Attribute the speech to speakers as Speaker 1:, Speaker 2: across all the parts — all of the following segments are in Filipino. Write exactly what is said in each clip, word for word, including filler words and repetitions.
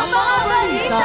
Speaker 1: ang mga balita!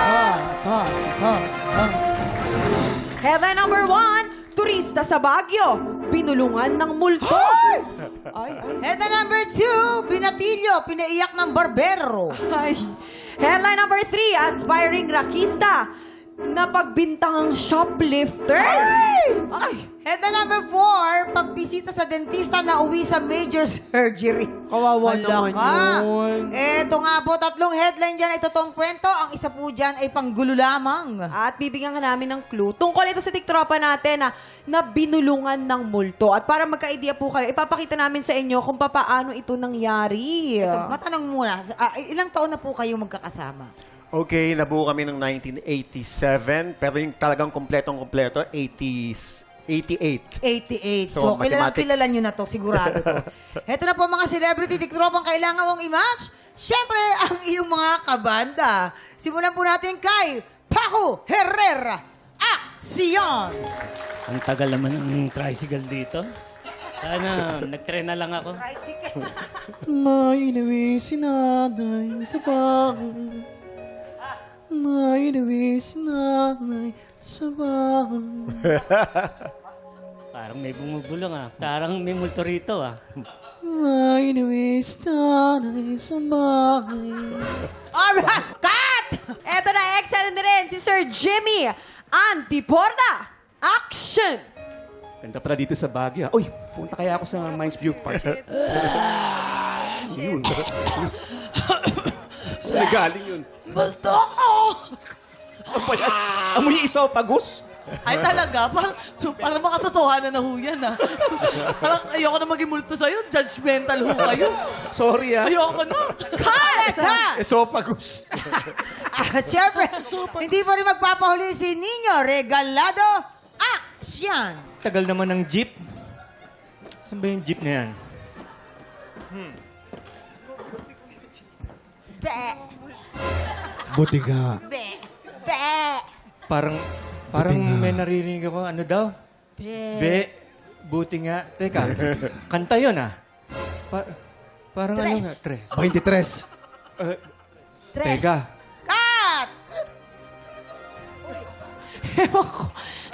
Speaker 1: Headline number one, turista sa Baguio, binulungan ng multo. Ay, ay,
Speaker 2: Headline number two, binatilyo, pinaiyak ng barbero.
Speaker 1: ay. Headline number three, aspiring rakista, napagbintangang shoplifter. Ay! Ay!
Speaker 2: Headline number four, pagbisita sa dentista na uwi sa major surgery.
Speaker 1: Kawawa
Speaker 2: Hala
Speaker 1: naman
Speaker 2: ka.
Speaker 1: yun.
Speaker 2: Eto nga po, tatlong headline dyan ay totoong kwento. Ang isa po dyan ay panggulo lamang.
Speaker 1: At bibigyan ka namin ng clue. Tungkol ito sa tiktropa natin na, na binulungan ng multo. At para magka-idea po kayo, ipapakita namin sa inyo kung paano ito nangyari.
Speaker 2: Ito, matanong muna, ah, ilang taon na po kayo magkakasama?
Speaker 3: Okay, nabuo kami ng nineteen eighty-seven, pero yung talagang kompletong-kompleto, eighties, eighty-eight.
Speaker 2: eighty-eight.
Speaker 3: So,
Speaker 2: So, kilalang
Speaker 3: mathematics.
Speaker 2: kilala nyo na to, sigurado to. Heto na po mga celebrity tiktropang kailangan mong i-match. Siyempre, ang iyong mga kabanda. Simulan po natin kay Paco Herrera. Action!
Speaker 4: Ang tagal naman ng tricycle dito. Sana, nag-tren na lang ako.
Speaker 2: Tricycle.
Speaker 5: May inawi si nanay sa bahay. May inawi si nanay sa bahay.
Speaker 4: Parang may bumubulong ah. Parang may multo rito ah.
Speaker 5: May inawi si nanay sa bahay.
Speaker 2: Alright, cut!
Speaker 1: Eto na, excellent na rin si Sir Jimmy Antiporda. Action!
Speaker 6: Ganda pala dito sa Baguio. Uy, punta kaya ako sa Mines View Park. Yun. Saan na galing yun?
Speaker 7: Multo ko!
Speaker 6: Ano ba yan? Amoy isopagus?
Speaker 7: Ay talaga, parang, parang makatotohanan na ho yan ah. Parang ayoko na maging multo sa'yo, judgmental ho kayo.
Speaker 6: Sorry ah.
Speaker 7: Ayoko na.
Speaker 2: Cut! Ha!
Speaker 5: Esophagus.
Speaker 2: At syempre, hindi po rin magpapahuli si Nino Regalado. Action!
Speaker 4: Tagal naman ng jeep. Saan ba yung jeep na yan?
Speaker 2: Be!
Speaker 5: Buti nga.
Speaker 2: Be! Be!
Speaker 4: Parang, parang
Speaker 5: Buti nga.
Speaker 4: may naririnig ako. Ano daw? Be. Buti nga. Teka, kanta yun ah. Pa- parang ano nga? Tres.
Speaker 5: twenty-three.
Speaker 4: Uh,
Speaker 2: Tres.
Speaker 4: teka.
Speaker 2: Cut!
Speaker 1: Ewan ko.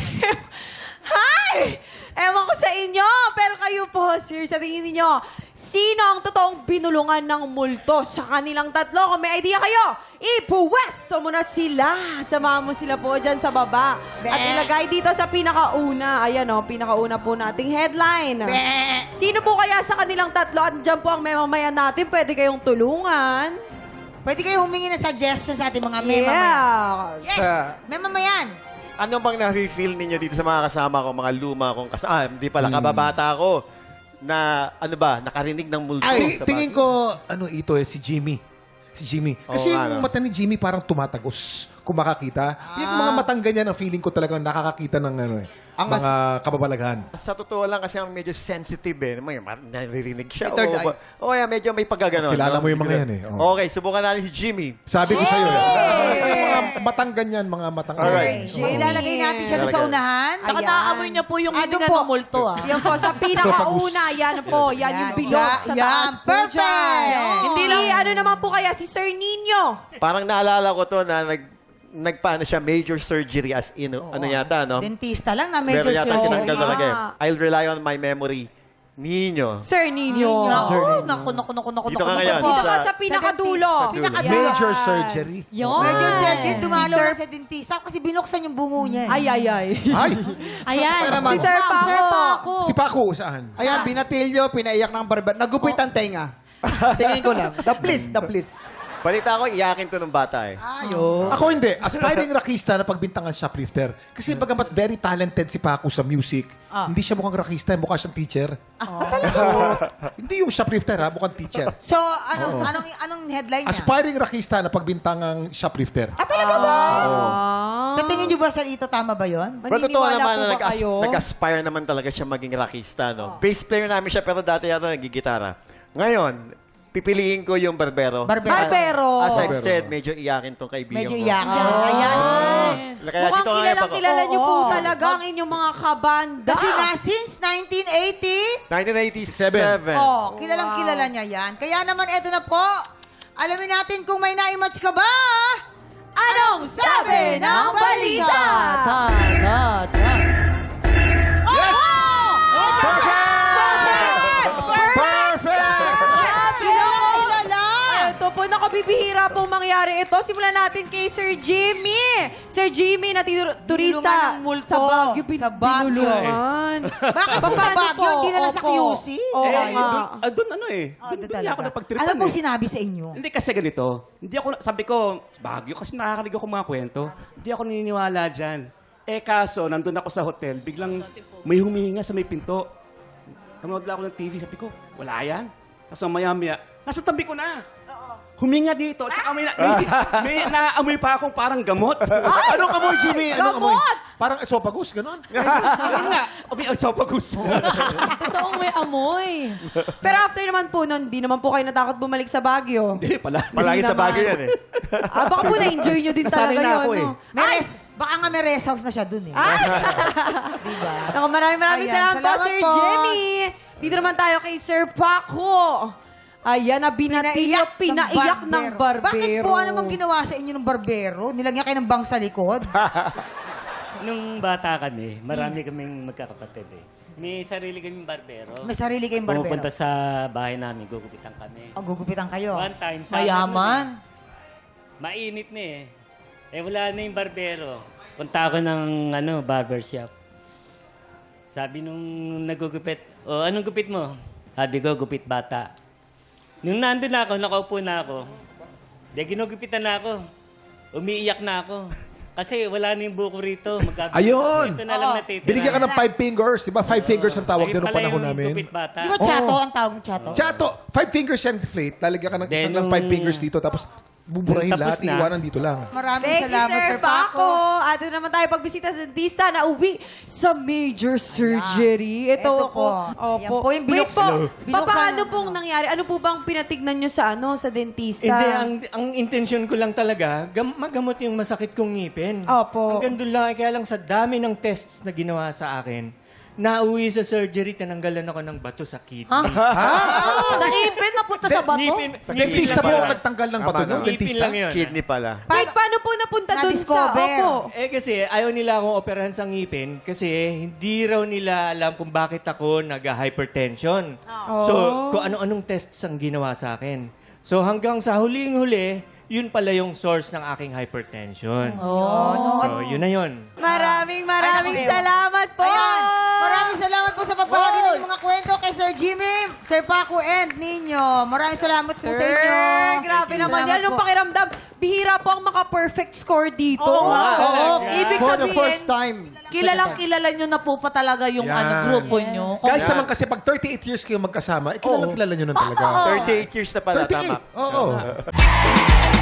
Speaker 1: Hi! Ewan ko sa inyo, pero kayo po, sir, sa tingin ninyo, sino ang totoong binulungan ng multo sa kanilang tatlo? Kung may idea kayo, ipuwesto mo na sila. Samahan mo sila po dyan sa baba. At ilagay dito sa pinakauna. Ayan o, pinakauna po nating headline.
Speaker 2: Be!
Speaker 1: Sino po kaya sa kanilang tatlo? At dyan po ang memamayan natin. Pwede kayong tulungan.
Speaker 2: Pwede kayo humingi ng suggestions sa ating mga memamayan.
Speaker 1: Yes!
Speaker 2: Yes! Memamayan!
Speaker 3: Ano bang na-feel ninyo dito sa mga kasama ko, mga luma kong kasama? Ah, hindi pala, kababata ko na, ano ba, nakarinig ng multo
Speaker 5: Ay,
Speaker 3: sa
Speaker 5: tingin
Speaker 3: Baguio.
Speaker 5: ko, ano ito eh, si Jimmy. Si Jimmy.
Speaker 3: Oo
Speaker 5: Kasi
Speaker 3: nga,
Speaker 5: yung
Speaker 3: no?
Speaker 5: mata ni Jimmy parang tumatagos kung makakita. Yung mga matang ganyan, ang feeling ko talagang nakakakita ng ano eh, mga kababalaghan.
Speaker 3: Sa totoo lang kasi ang medyo sensitive eh. May mar- naririnig siya.
Speaker 5: May third
Speaker 3: o,
Speaker 5: eye.
Speaker 3: ba- o yeah, medyo may pagkaganon.
Speaker 5: Kilala
Speaker 3: no?
Speaker 5: mo yung mga yan eh. Oo.
Speaker 3: Okay, subukan natin si Jimmy.
Speaker 5: Sabi ko sa'yo eh. Yung mga matang ganyan, mga matang
Speaker 3: Alright.
Speaker 2: Okay, ilalagay natin siya doon sa unahan.
Speaker 7: Saka
Speaker 1: Ayan.
Speaker 7: naaamoy niya po yung
Speaker 2: Ah,
Speaker 7: hininga
Speaker 2: doon po.
Speaker 7: ng multo ah.
Speaker 1: Yan po, sa pinakauna, yan po. Yan yung bilog sa
Speaker 2: Yan,
Speaker 1: taas po
Speaker 2: perfect!
Speaker 1: dyan.
Speaker 7: Hindi
Speaker 1: Si,
Speaker 7: lang-
Speaker 1: ano naman po kaya, si Sir Nino.
Speaker 3: Parang naalala ko to na nag nagpaano siya major surgery as in ano yata no?
Speaker 2: Dentista lang na medyo
Speaker 3: Meron yata
Speaker 2: surgery.
Speaker 3: tinanggal
Speaker 1: Yeah.
Speaker 3: talaga eh. I'll rely on my memory. Nino.
Speaker 1: Sir Nino.
Speaker 7: Naku, naku, naku, naku, naku,
Speaker 3: Dito
Speaker 7: naku,
Speaker 3: ka
Speaker 7: naku
Speaker 3: ngayon.
Speaker 7: po.
Speaker 1: Dito
Speaker 3: Sa-
Speaker 1: ka sa pinakadulo.
Speaker 3: Sa dulo.
Speaker 2: Pinakadulo.
Speaker 5: Major surgery.
Speaker 2: Major surgery, dumalo
Speaker 1: Sir-
Speaker 2: na sa dentista kasi binuksan yung bungo niya. eh.
Speaker 1: Ay, ay, ay.
Speaker 5: Ay,
Speaker 8: Ayan.
Speaker 1: Si Sir Paco.
Speaker 5: si Paco, saan?
Speaker 9: Ayan, binatilyo, pinaiyak ng barber. Nagupit ang tenga. Tingin ko lang. The please, the please.
Speaker 3: Balita ko, iyakin to ng bata eh.
Speaker 9: Ayo.
Speaker 5: Ako hindi. Aspiring rakista na pagbintangan shoplifter. Kasi bagamat very talented si Paco sa music, hindi siya mukhang rakista, mukha siyang teacher. So, hindi yung shoplifter ha, mukhang teacher.
Speaker 2: So, anong, anong, anong headline niya?
Speaker 5: Aspiring rakista na pagbintangang shoplifter.
Speaker 2: Ah, talaga ba?
Speaker 1: Ah.
Speaker 2: Sa tingin niyo ba, sir, ito tama ba yon?
Speaker 3: Pero totoo
Speaker 1: Maniniwala
Speaker 3: naman
Speaker 1: po
Speaker 3: na
Speaker 1: ba
Speaker 3: nag-as-
Speaker 1: kayo?
Speaker 3: nag-aspire naman talaga siya maging rockista, no? Bass player namin siya, pero dati yata nagigitara. Ngayon, pipiliin ko yung barbero.
Speaker 2: Barbero.
Speaker 1: Barbero.
Speaker 3: As I've
Speaker 5: Barbero.
Speaker 3: said, medyo iyakin tong kaibigan
Speaker 2: Medyo
Speaker 3: ko.
Speaker 2: iyak niya. Ayan.
Speaker 3: Kaya
Speaker 1: Mukhang
Speaker 3: dito nga
Speaker 1: kilalang
Speaker 3: yung
Speaker 1: kilala niyo po
Speaker 2: Oo.
Speaker 1: talaga ang inyong mga kabanda.
Speaker 2: Kasi nga, since nineteen eighty,
Speaker 3: nineteen eighty-seven.
Speaker 2: oh, kilalang kilala niya yan. Kaya naman, eto na po, Alamin natin kung may na-match ka ba.
Speaker 1: Anong sabi ng balita?
Speaker 7: Da, da, da.
Speaker 5: Yes! Perfect!
Speaker 2: Kilala!
Speaker 1: Ito po, nakabibihira pong mangyari ito. Simulan natin kay Sir Jimmy. Sir Jimmy, na tur- turista
Speaker 2: Binulungan ng multo.
Speaker 1: sa Baguio. bin-
Speaker 2: Sa Baguio.
Speaker 1: binulungan.
Speaker 2: Bakit po sa
Speaker 1: Paano
Speaker 2: Baguio,
Speaker 1: po?
Speaker 2: hindi na lang sa
Speaker 1: Opo.
Speaker 2: Q C?
Speaker 1: Oo
Speaker 6: eh,
Speaker 1: nga.
Speaker 6: doon, ah, doon ano eh.
Speaker 2: Oh,
Speaker 6: Doon,
Speaker 2: doon
Speaker 6: doon niya ako
Speaker 2: talaga.
Speaker 6: napagtripan
Speaker 2: Ano pong
Speaker 6: eh.
Speaker 2: sinabi sa inyo?
Speaker 6: Hindi kasi ganito. Hindi ako, sabi ko, Baguio kasi nakakarinig ako mga kwento. Hindi ako naniniwala dyan. Eh kaso, nandun ako sa hotel, biglang may humihinga sa may pinto. Nanood lang ako ng T V, sabi ko, wala yan. Tapos maya-maya, nasa tabi ko na. Huminga dito, at saka may, na, may, may naamoy pa akong parang gamot.
Speaker 5: Anong amoy, Jimmy? Anong amoy?
Speaker 1: Gamot!
Speaker 5: Parang esophagus, ganon?
Speaker 6: Ayun nga, umi ang sopagus.
Speaker 7: Totoong may amoy.
Speaker 1: Pero after naman po nun, di naman po kayo natakot bumalik sa Baguio.
Speaker 6: Hindi pala.
Speaker 3: Palagi sa
Speaker 1: naman.
Speaker 3: bagay yan eh.
Speaker 1: Ah, baka po na-enjoy nyo din
Speaker 6: Nasanay
Speaker 1: talaga
Speaker 6: na
Speaker 1: yun.
Speaker 6: ako eh.
Speaker 1: no?
Speaker 2: May res- baka nga may rest house na siya dun eh.
Speaker 1: Ay!
Speaker 2: Diba?
Speaker 1: Naku, maraming maraming
Speaker 2: Ayan,
Speaker 1: salamat, po,
Speaker 2: salamat
Speaker 1: Sir
Speaker 2: po.
Speaker 1: Jimmy. Dito naman tayo kay Sir Paco. Ayan, na binatilyo, pinaiyak ng barbero.
Speaker 2: Bakit po ano bang ginawa sa inyo ng barbero? Nilagyan kayo ng bang sa likod?
Speaker 8: Nung bata kami, marami kaming magkakapatid eh. May sarili kaming barbero.
Speaker 2: May sarili kayong barbero.
Speaker 8: Pumupunta sa bahay namin, gugupitan kami.
Speaker 2: O, gugupitan kayo.
Speaker 8: One time, sa
Speaker 7: Mayaman.
Speaker 8: mainit na eh. Eh wala na yung barbero. Punta ako ng ano, barbershop. Sabi nung nagugupit, o anong gupit mo? Sabi ko, gupit bata. Nung nandun na ako, nakaupo na ako, di ginugupitan na ako. Umiiyak na ako. Kasi wala na yung buko rito. Magkabit.
Speaker 5: Ayun!
Speaker 8: Ito na lang natitira.
Speaker 5: Binigyan ka ng five fingers. Di ba? Five fingers ang tawag
Speaker 8: Ayun
Speaker 5: doon noong
Speaker 8: pala
Speaker 5: panahon
Speaker 8: yung
Speaker 5: namin.
Speaker 8: gupit bata.
Speaker 2: Di ba chato ang tawag ng chato?
Speaker 5: Chato, five fingers yan inflate. Lalagyan ka ng
Speaker 8: Then,
Speaker 5: isang lang five
Speaker 8: nung-
Speaker 5: fingers dito. Tapos buburahin
Speaker 8: Nung tapos
Speaker 5: lahat.
Speaker 8: na.
Speaker 5: Iiwanan dito lang.
Speaker 2: Maraming
Speaker 1: Thank you,
Speaker 2: salamat,
Speaker 1: Sir
Speaker 2: Sir Paco.
Speaker 1: Paco. At ito naman tayo pagbisita sa dentista na uwi sa major surgery. Ito,
Speaker 2: Ito po.
Speaker 1: Opo.
Speaker 2: Yan po yung
Speaker 1: Wait
Speaker 2: binuks-
Speaker 1: po,
Speaker 2: binuksan
Speaker 1: paano
Speaker 2: ng
Speaker 1: pong
Speaker 2: ano?
Speaker 1: nangyari? Ano po bang pinatignan nyo sa ano sa dentista?
Speaker 4: Hindi, ang, ang intention ko lang talaga, gam- magamot yung masakit kong ngipin.
Speaker 1: Opo.
Speaker 4: Hanggang doon lang, eh, kaya lang sa dami ng tests na ginawa sa akin, nauwi sa surgery, tinanggalan ako ng bato sa kidney.
Speaker 7: Sa ipin, napunta sa bato?
Speaker 4: Ngipin,
Speaker 3: Sa
Speaker 4: ngipin
Speaker 5: Dentista
Speaker 4: lang
Speaker 5: po
Speaker 4: yun.
Speaker 5: ang nagtanggal ng
Speaker 3: Tama
Speaker 5: bato
Speaker 3: na.
Speaker 5: no?
Speaker 4: Ngipin
Speaker 5: Dentista?
Speaker 4: lang yun.
Speaker 3: Kidney pala.
Speaker 1: Wait, paano po napunta dun sa...
Speaker 2: Na-discover.
Speaker 1: Opo.
Speaker 4: Eh kasi ayaw nila akong operahan sa ngipin kasi hindi raw nila alam kung bakit ako nag-hypertension. So, kung ano-anong tests ang ginawa sa akin. So, hanggang sa huling-huli, yun pala yung source ng aking hypertension.
Speaker 7: Oh.
Speaker 4: So, yun na yun.
Speaker 1: Maraming maraming
Speaker 2: Ay, naku,
Speaker 1: salamat po.
Speaker 2: Ayan. Maraming salamat po sa pagbahagi ng inyong mga kwento kay Sir Jimmy, Sir Paco, and Ninyo. Maraming salamat po sa
Speaker 1: Sir,
Speaker 2: inyo.
Speaker 1: grabe naman
Speaker 2: Salamat
Speaker 1: yan. Nung
Speaker 2: po.
Speaker 1: pakiramdam, bihira po ang maka-perfect score dito.
Speaker 2: Oo nga.
Speaker 9: Oo,
Speaker 7: Ibig
Speaker 9: for the
Speaker 7: sabihin,
Speaker 9: first time.
Speaker 7: Kilalang kilala nyo na po pa talaga yung
Speaker 5: Yan.
Speaker 7: ano, grupo nyo.
Speaker 5: Guys naman kasi pag thirty-eight years kayo magkasama, eh, kilalang kilala nyo nun talaga.
Speaker 3: thirty-eight years na pala,
Speaker 5: thirty-eight,
Speaker 3: tama.
Speaker 5: oo.